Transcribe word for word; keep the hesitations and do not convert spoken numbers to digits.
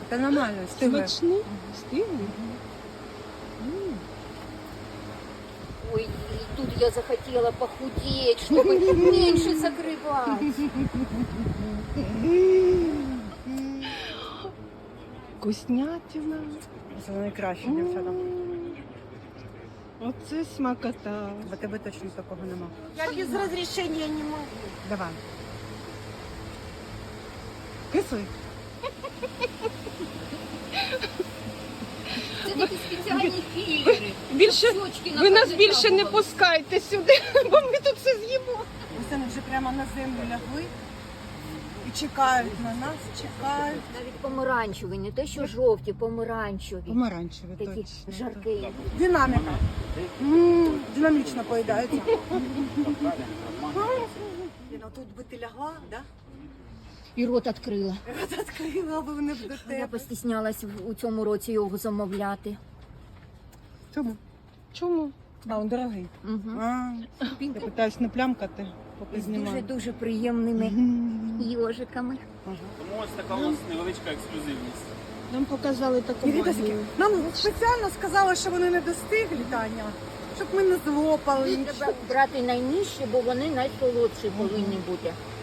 Та нормально, встигли. Смачний? Стильний? Ой, и тут я захотела похудеть, чтобы меньше закрывать. Вкуснятина. Це найкраще, дівчата. Оце смакота. Бо тебе точно такого нема. Я без разрешения не могу. Давай. Кислий. Це такі спеціальні фільтри. Більше, Щочки ви нас на більше не кожен пускайте сюди, бо ми тут все з'їмо. Ось вони вже прямо на землю лягли і чекають на нас, чекають. Навіть помаранчеві, не те, що жовті, помаранчеві. Помаранчеві Такі точно. жаркі. Динаміка. М, Динамічно поїдається. Ліна, тут би ти лягла, да? І рот відкрила. Рот відкрила, бо вони б до Я тебе. постіснялась в- у цьому році його замовляти. Чому? Чому? А, він дорогий. Угу. А, я питаюсь не плямкати, поки З знімаю. дуже-дуже приємними йожиками. Тому ось така у нас невеличка ексклюзивність. Нам показали таку І відосики. магію. Нам спеціально сказали, що вони не достиглі, Таня, щоб ми не злопали. Треба брати найнижчі, бо вони найсолодші повинні бути.